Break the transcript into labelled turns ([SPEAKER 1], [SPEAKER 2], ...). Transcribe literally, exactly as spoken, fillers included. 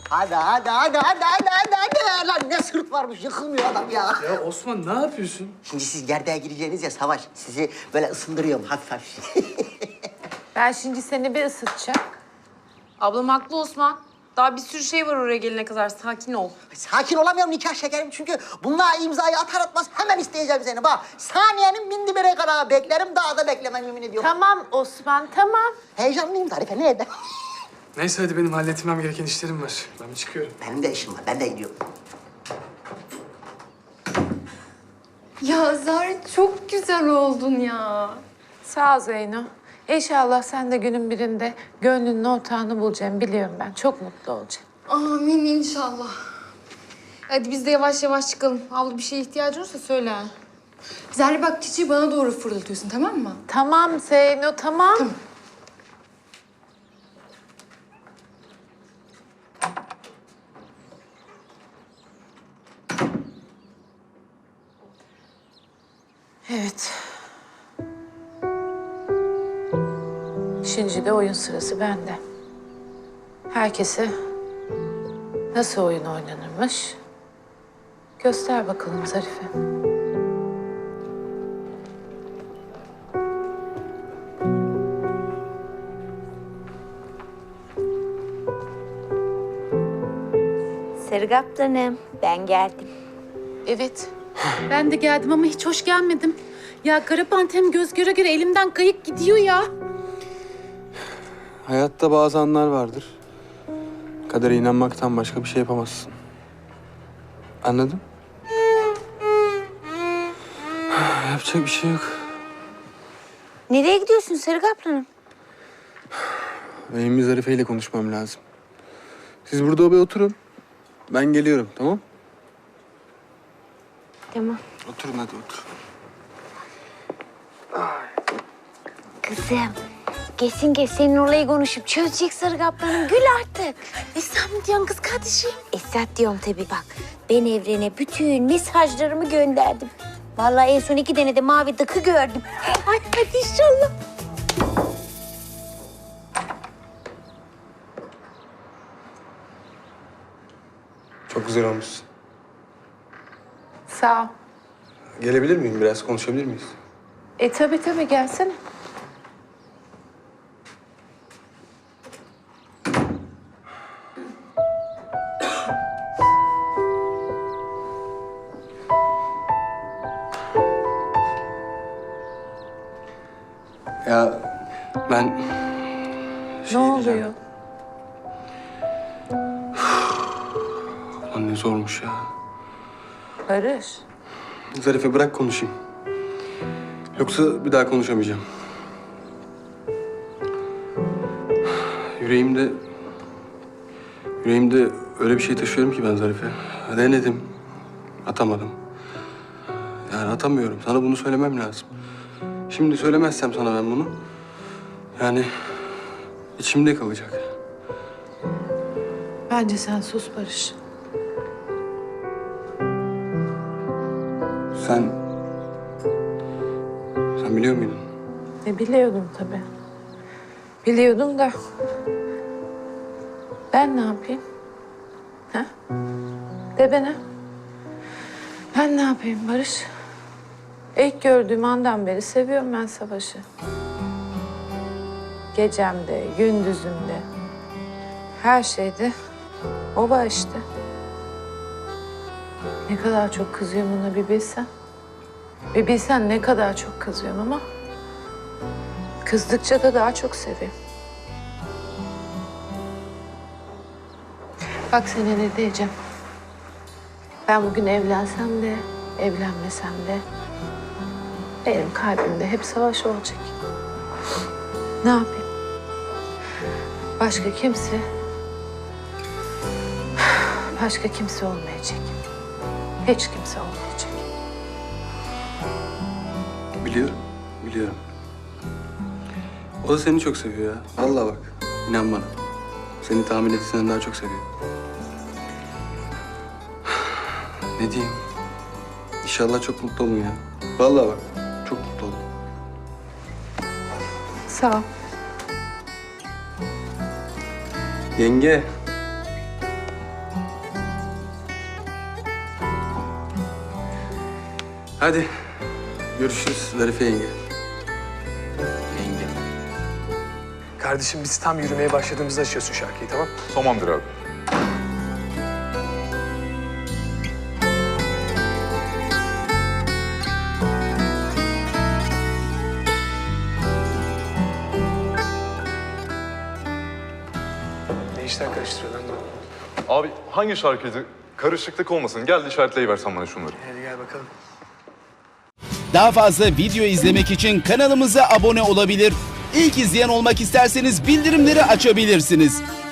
[SPEAKER 1] Hadi hadi hadi hadi hadi hadi hadi. Lan ne sırt varmış yıkılmıyor adam ya.
[SPEAKER 2] Ya Osman ne yapıyorsun?
[SPEAKER 1] Şimdi siz gerdeğe gireceğiniz ya Savaş. Sizi böyle ısındırıyorum hafif hafif.
[SPEAKER 3] Ben şimdi seni bir ısıtacağım.
[SPEAKER 4] Ablam haklı Osman. Daha bir sürü şey var oraya gelene kadar. Sakin ol.
[SPEAKER 1] Sakin olamıyorum nikah şekerim çünkü bununla imzayı atar atmaz hemen isteyeceğim seni. Bak saniyenin bindi bire kadar beklerim daha da beklemem yemin ediyorum.
[SPEAKER 3] Tamam Osman, tamam.
[SPEAKER 1] Heyecanlıyım Zarife ne eder?
[SPEAKER 2] Neyse hadi benim halletmem gereken işlerim var. Ben bir çıkıyorum.
[SPEAKER 1] Benim de işim var ben de gidiyorum.
[SPEAKER 5] Ya Zahra çok güzel oldun ya.
[SPEAKER 3] Sağ ol Zeyno. İnşallah sen de günün birinde gönlünün ortağını bulacaksın biliyorum ben. Çok mutlu olacaksın.
[SPEAKER 5] Amin inşallah.
[SPEAKER 4] Hadi biz de yavaş yavaş çıkalım. Abla bir şeye ihtiyacın olursa söyle.
[SPEAKER 5] Zahra bak çiçeği bana doğru fırlatıyorsun tamam mı?
[SPEAKER 3] Tamam Zeyno, tamam.
[SPEAKER 5] Tamam.
[SPEAKER 3] Evet. Şimdi de oyun sırası bende. Herkese nasıl oyun oynanırmış göster bakalım Zarife.
[SPEAKER 6] Sergaptanım, ben geldim.
[SPEAKER 3] Evet.
[SPEAKER 7] Ben de geldim ama hiç hoş gelmedim. Ya Karapantem göz göre göre elimden kayıp gidiyor ya.
[SPEAKER 8] Hayatta bazı anlar vardır. Kadere inanmaktan başka bir şey yapamazsın. Anladın? Yapacak bir şey yok.
[SPEAKER 6] Nereye gidiyorsun Sergaptanım?
[SPEAKER 8] Benim bir Zarife ile konuşmam lazım. Siz burada bir oturun. Ben geliyorum, tamam?
[SPEAKER 6] Tamam.
[SPEAKER 8] Oturun hadi otur.
[SPEAKER 6] Kızım, kesin kes senin olayı konuşup çözecek Sergaptanım. Gül artık.
[SPEAKER 7] Esra mı diyorsun kız kardeşim?
[SPEAKER 6] Esat diyorum tabii bak. Ben evrene bütün mesajlarımı gönderdim. Vallahi en son iki tane de mavi dıkı gördüm. Ay hadi inşallah.
[SPEAKER 8] Çok güzel olmuşsun.
[SPEAKER 3] Sağ ol.
[SPEAKER 8] Gelebilir miyim? Biraz konuşabilir miyiz?
[SPEAKER 3] E tabii tabii gelsene.
[SPEAKER 8] Ya ben...
[SPEAKER 3] Ne
[SPEAKER 8] şey diyeceğim.
[SPEAKER 3] oluyor?
[SPEAKER 8] Lan ne zormuş ya.
[SPEAKER 3] Barış.
[SPEAKER 8] Zarife bırak konuşayım. Yoksa bir daha konuşamayacağım. Yüreğimde... Yüreğimde öyle bir şey taşıyorum ki ben Zarife. Denedim. Atamadım. Yani atamıyorum. Sana bunu söylemem lazım. Şimdi söylemezsem sana ben bunu... Yani içimde kalacak.
[SPEAKER 3] Bence sen sus Barış.
[SPEAKER 8] Sen... Sen biliyor muydun?
[SPEAKER 3] E biliyordum tabii. Biliyordum da... Ben ne yapayım? Ha? De bana. Ben ne yapayım Barış? İlk gördüğüm andan beri seviyorum ben Savaş'ı. Gecemde, gündüzümde, her şeyde o var işte. Ne kadar çok kızıyorum ona bir bilsen. Bir bilsen ne kadar çok kızıyorum ama... kızdıkça da daha çok seviyorum. Bak sana ne diyeceğim. Ben bugün evlensem de, evlenmesem de... benim kalbimde hep Savaş olacak. Ne yapayım? Başka kimse... başka kimse olmayacak. Hiç kimse olmayacak.
[SPEAKER 8] Biliyorum, biliyorum. O da seni çok seviyor ya. Vallahi bak, inan bana. Seni tahmin ettiğinden daha çok seviyor. Ne diyeyim? İnşallah çok mutlu olun ya. Vallahi bak, çok mutlu olun.
[SPEAKER 3] Sağ ol.
[SPEAKER 8] Yenge. Hadi görüşürüz Zarife yenge. Yenge.
[SPEAKER 2] Kardeşim biz tam yürümeye başladığımızda açıyorsun şarkıyı, tamam?
[SPEAKER 9] Tamamdır abi.
[SPEAKER 2] Ne işler karıştırıyor lan bu?
[SPEAKER 9] Abi hangi şarkıydı? Karışıklık olmasın. Gel işaretleyiversen bana şunları.
[SPEAKER 2] Hadi gel bakalım.
[SPEAKER 10] Daha fazla video izlemek için kanalımıza abone olabilir. İlk izleyen olmak isterseniz bildirimleri açabilirsiniz.